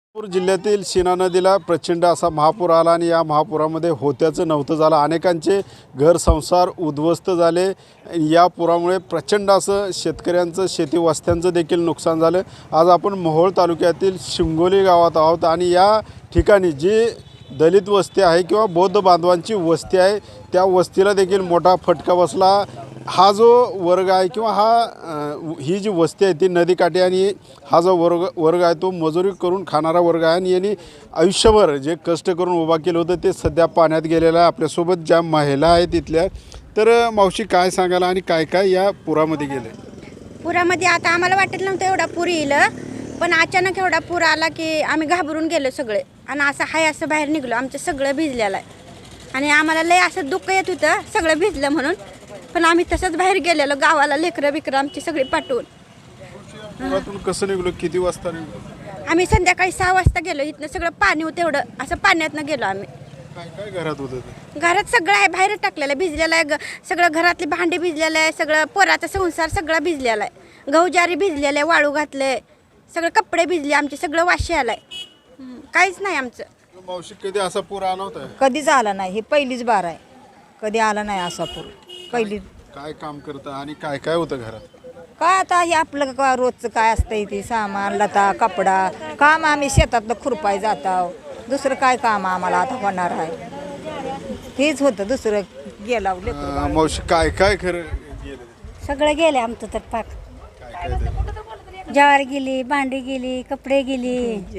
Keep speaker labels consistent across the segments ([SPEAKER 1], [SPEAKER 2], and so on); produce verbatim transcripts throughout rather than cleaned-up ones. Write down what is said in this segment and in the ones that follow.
[SPEAKER 1] नागपूर जिल्ह्यातील सीना नदीला प्रचंड असा महापूर आला आणि या महापुरामध्ये होत्याचं नव्हतं झालं. अनेकांचे घर संसार उद्ध्वस्त झाले. या पुरामुळे प्रचंड असं शेतकऱ्यांचं शेती वस्त्यांचं देखील नुकसान झालं. आज आपण मोहोळ तालुक्यातील शिंगोली गावात आहोत आणि या ठिकाणी जी दलित वस्ती आहे किंवा बौद्ध बांधवांची वस्ती आहे त्या वस्तीला देखील मोठा फटका बसला. हा जो वर्ग आहे किंवा हा ही जी वस्ती आहे ती नदीकाठी आणि हा जो वर्ग वर्ग आहे तो मजुरी करून खाणारा वर्ग आहे आणि यांनी आयुष्यभर जे कष्ट करून उभा केलं होतं ते सध्या पाण्यात गेलेलं आहे. आपल्यासोबत ज्या महिला आहेत तिथल्या, तर मावशी काय सांगायला आणि काय काय या पुरामध्ये गेले?
[SPEAKER 2] पुरामध्ये आता आम्हाला वाटत नव्हतं एवढा पूर येईल, पण अचानक एवढा पूर आला की आम्ही घाबरून गेलो सगळे आणि असं हाय असं बाहेर निघलो. आमचं सगळं भिजलेलं आहे आणि आम्हाला लय असं दुःख येत होतं सगळं भिजलं म्हणून, पण आम्ही तसंच बाहेर गेलेलो गावाला. लेकरं बिकरं आमची सगळी पाठवून.
[SPEAKER 1] पुरातून कसं निघलो? किती वाजता निघलो?
[SPEAKER 2] आम्ही संध्याकाळी सहा वाजता गेलो. इथनं सगळं पाणी होतं एवढं असं पाण्यातनं गेलो आम्ही.
[SPEAKER 1] काय काय घरात होतं ते?
[SPEAKER 2] घरात सगळं आहे बाहेर टाकलेलं आहे, भिजलेलं आहे. ग सगळं घरातली भांडी भिजलेलं आहे, सगळं पोराचा संसार सगळा भिजलेला आहे. गहू ज्वारी भिजलेलं आहे, वाळू घातले, सगळं कपडे भिजले आमचे, सगळं वाशी आलाय. काहीच नाही आमचं.
[SPEAKER 1] मावशी कधी असा पूर आला होता?
[SPEAKER 3] कधीच आला नाही. ही पहिलीच बार आहे. कधी आला नाही असा पूर. पहिली.
[SPEAKER 1] काय काम करता आणि काय काय होतं घरात?
[SPEAKER 3] काय आता हे आपलं का रोजचं काय असतंय ते सामान लता कपडा काम. आम्ही शेतातलं खुरपाय जातो. दुसरं काय काम आम्हाला आता होणार आहे? हेच होतं. दुसरं गेला
[SPEAKER 1] अं, मावशी काय काय खरं गेलं?
[SPEAKER 4] सगळं गेले आमचं तर पाक.
[SPEAKER 1] काय काय ते?
[SPEAKER 4] ज्वारी गेली, भांडी गेली, कपडे गेली,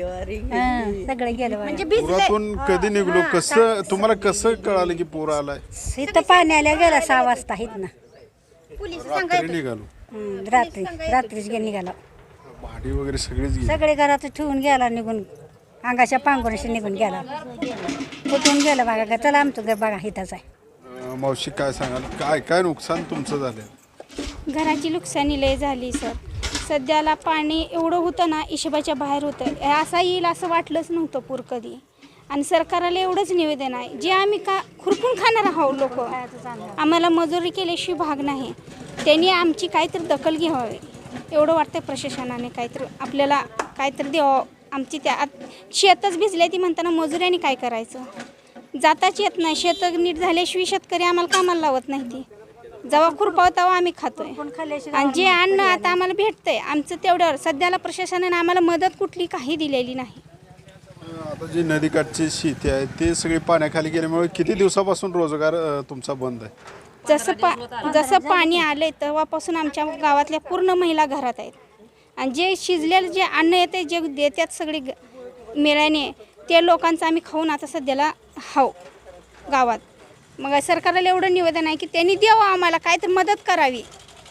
[SPEAKER 4] हं, सगळं गेलं बघा.
[SPEAKER 2] म्हणजे भिजले.
[SPEAKER 1] पुरातून कधी निघलो? कसं तुम्हाला कसं कळालं की पूर आलाय?
[SPEAKER 4] इथं पाणी आल्या गेला सहा वाजता आहेत ना.
[SPEAKER 2] पोलीस
[SPEAKER 1] रात्री
[SPEAKER 2] सांगायचं
[SPEAKER 1] निघालो.
[SPEAKER 4] हं, रात्री रात्रीच गे निघाला.
[SPEAKER 1] भाडी वगैरे सगळीच गेली.
[SPEAKER 4] सगळे घरात ठेवून गेला निघून. अंगाच्या पांघरुणाशी निघून गेला. कुठून गेला बघा का? चला आमचं घर बघा इथंच आहे.
[SPEAKER 1] अं, मावशी काय सांगाल? काय काय नुकसान तुमचं झालं?
[SPEAKER 5] घराची नुकसानी लय झाली सर. सध्याला पाणी एवढं होतं ना, हिशोबाच्या बाहेर होतं. असा येईल असं वाटलंच नव्हतं पूर कधी. आणि सरकारला एवढंच निवेदन आहे, जे आम्ही का खुरपून खाणार आहोत लोक, आम्हाला मजुरी केल्याशिवाय भाग नाही. त्यांनी आमची काहीतरी दखल घ्यावी एवढं वाटतं. प्रशासनाने काहीतरी आपल्याला काहीतरी द्यावं. आमची त्या शेतच भिजले ती म्हणताना मजुऱ्याने काय करायचं? जाताच येत नाही. शेत नीट झाल्याशिवाय शेतकरी आम्हाला कामाला लावत नाही. ती जेव्हा खुरपाव तेव्हा आम्ही खातोय आणि जे अन्न आता आम्हाला भेटतंय आमचं तेवढ्यावर. सध्याला प्रशासनाने आम्हाला मदत कुठली काही दिलेली नाही.
[SPEAKER 1] आता जी नदीकाठची शेती आहे ते सगळी पाण्याखाली गेल्यामुळे किती दिवसापासून रोजगार अं, तुमचा बंद आहे?
[SPEAKER 5] जसं पा जसं पाणी आलंय तेव्हापासून आमच्या गावातल्या पूर्ण महिला घरात आहेत. आणि जे शिजलेलं जे अन्न येते जे देतात सगळी मेळ्याने ते लोकांचं आम्ही खाऊन आता सध्याला हाव गावात. मग सरकारला एवढं निवेदन आहे की त्यांनी द्यावं आम्हाला काय तर मदत करावी.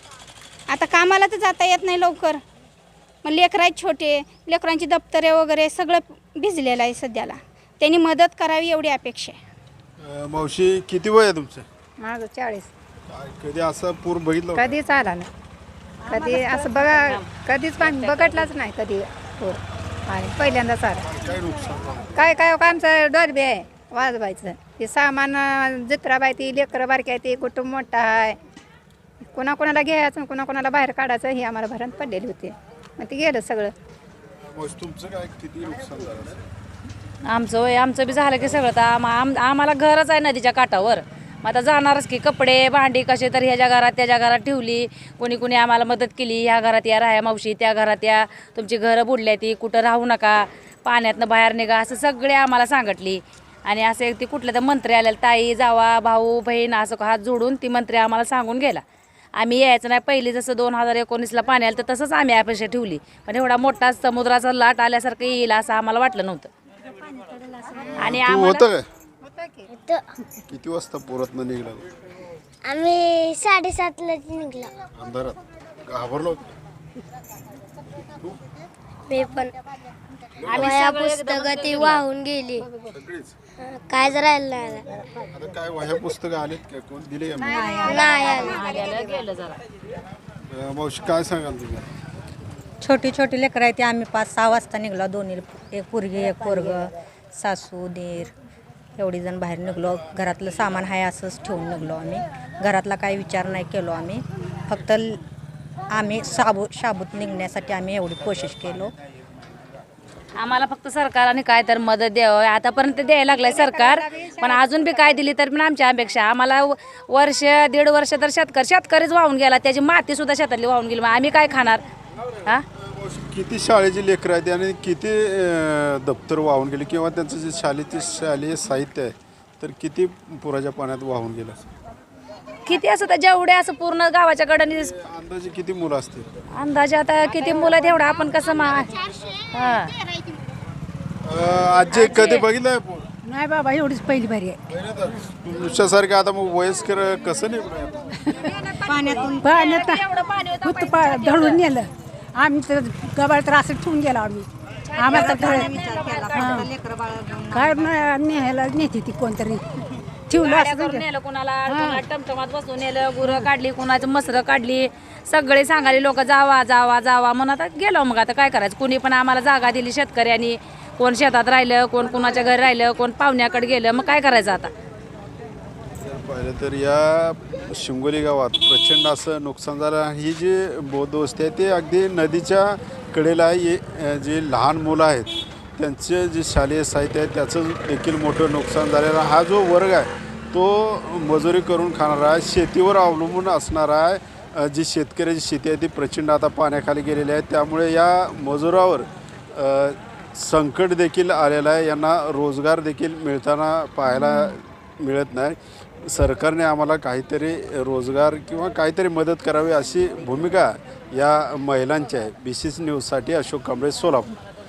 [SPEAKER 5] आता कामाला तर जाता येत नाही लवकर. मग लेकरं आहेत छोटे, लेकरांची दप्तरे वगैरे सगळं भिजलेलं आहे सध्याला. त्यांनी मदत करावी एवढी अपेक्षा आहे.
[SPEAKER 1] अं, मावशी किती वय आहे तुमचं?
[SPEAKER 3] माझं चाळीस.
[SPEAKER 1] काय कधी असा पूर बघितला होता?
[SPEAKER 3] कधीच आला नाही. कधी असं बघा कधीच पाणी बघितलाच नाही कधी पूर. आणि पहिल्यांदाच आला.
[SPEAKER 1] काय नुकसान झालं?
[SPEAKER 3] काय काय काय आमचं डॉल्बी आहे वाजवायचं. ते सामान जत्राबाई ती लेकरं बारकी आहे ते कुटुंब मोठं आहे. कोणाकोणाला घ्यायचं कोणाकोणाला बाहेर काढायचं ही आम्हाला भरण पडलेली होती. मग ते गेलं सगळं.
[SPEAKER 1] मावशी तुमचं काय किती नुकसान झालं?
[SPEAKER 6] आमचं वय आमचं बी झालं की सगळं. तर आम आम आम्हाला घरच आहे नदीच्या काठावर. मग आता जाणारच की कपडे भांडी कसे तर ह्याच्या घरात त्याच्या घरात ठेवली. कोणी कोणी आम्हाला मदत केली. ह्या घरात या राहा मावशी, त्या घरात या, तुमची घरं बुडल्या ती कुठं राहू नका, पाण्यातनं बाहेर निघा असं सगळे आम्हाला सांगितली. आणि असं ती कुठल्या तर मंत्री आलेला ताई जावा भाऊ बहीण असं हात जोडून ती मंत्री आम्हाला सांगून गेला. आम्ही यायचं नाही. पहिली जसं दोन हजार एकोणीसला पाणी आलं तर तसंच आम्ही अपेक्षा ठेवली. पण एवढा मोठा समुद्राचा लाट आल्यासारखं येईल असं आम्हाला वाटलं नव्हतं. आणि
[SPEAKER 1] तू
[SPEAKER 6] आम्हाला
[SPEAKER 1] होतं काय? किती वाजता पुरातनं निघाला?
[SPEAKER 7] आम्ही साडेसातला निघलो.
[SPEAKER 1] अंधारात घाबरलो होतो?
[SPEAKER 7] मी पण वह्या पुस्तकं ती वाहून गेली.
[SPEAKER 1] सगळीच?
[SPEAKER 7] काय राहिलं नाही.
[SPEAKER 1] आता काय वह्या पुस्तकं आलेत का? कोण दिले का?
[SPEAKER 7] नाही आलं.
[SPEAKER 6] गेलं जरा.
[SPEAKER 1] अं, मावशी काय सांगाल तुम्ही?
[SPEAKER 3] छोटी छोटी लेकरं आहे ती आम्ही पाच सहा वाजता निघलो. दोन्ही एक पोरगी एक पोरग सासू दीर एवढी जण बाहेर निघलो. घरातलं सामान आहे असंच ठेवून निघलो आम्ही. घरातला काही विचार नाही केलो आम्ही. फक्त आम्ही साबू शाबूत निघण्यासाठी आम्ही एवढी कोशिश केलो.
[SPEAKER 6] आम्हाला फक्त सरकारने काय तर मदत द्यावं आतापर्यंत द्यायला लागलाय सरकार, पण अजून बी काय दिली तर पण आमच्या अपेक्षा आम्हाला व- वर्ष दीड वर्ष तर शेतकरी शेतकरीच वाहून गेला, त्याची माती सुद्धा शेतातली वाहून गेली, मग आम्ही काय खाणार हा?
[SPEAKER 1] किती शाळेची लेकरं आहेत आणि किती अं, दप्तर वाहून गेले किंवा त्यांचं जे शाळेचे शालेय साहित्य आहे तर किती पुराच्या पाण्यात वाहून गेलं?
[SPEAKER 6] किती असं तर जेवढे असं पूर्ण गावाच्या कडेने
[SPEAKER 1] अंदाजे किती मुलं असतील?
[SPEAKER 6] अंदाजे आता किती मुलं आहेत एवढं आपण कसं मा हा
[SPEAKER 1] अं, आजी कधी बघितलंय पूर?
[SPEAKER 4] नाही बाबा एवढीच पहिली बारी आहे.
[SPEAKER 1] तुमच्यासारखं आता मग वयस्कर कसं नाही?
[SPEAKER 4] पाण्यातून पाण्यात होतं पा धडून नेलं आम्ही तर गबाळ तर असं ठेवून गेलो आम्ही आम्हाला तर हां. काय न- न्यायला नेते ती कोणतरी ठेवलं असं
[SPEAKER 6] करून नेलं कुणाला कुणाला टमटमात बसून नेलं, गुरं काढली, कुणाचं मसरं काढली, सगळे सांगाले लोक जावा जावा जावा म्हणून आता गेलो. मग आता काय करायचं, कुणी पण आम्हाला जागा दिली शेतकऱ्यांनी, कोण शेतात राहिलं, कोण कुणाच्या घरी राहिलं, कोण पाहुण्याकडे गेलं, मग काय करायचं आता?
[SPEAKER 1] पाहिलं तर या शिंगोली गावात प्रचंड असं नुकसान झालं. ही जी बौद्ध वस्ती आहे ते अगदी नदीच्या कडेला आहे. हे जे लहान मुलं आहेत त्यांचे जे शालेय साहित्य आहे त्याचं देखील मोठं नुकसान झालेलं आहे. हा जो वर्ग आहे तो मजुरी करून खाणारा आहे, शेतीवर अवलंबून असणारा आहे. अ, जी शेतकऱ्याची शेती आहे ती प्रचंड आता पाण्याखाली गेलेली आहे. त्यामुळे या मजुरावर अ, संकट देखील आलेलं आहे. यांना रोजगार देखील मिळताना पाहायला मिळत नाही. सरकारने आम्हाला काहीतरी रोजगार किंवा काहीतरी मदत करावी अशी भूमिका या महिलांची आहे. बी सी सी न्यूजसाठी अशोक कांबळे, सोलापूर.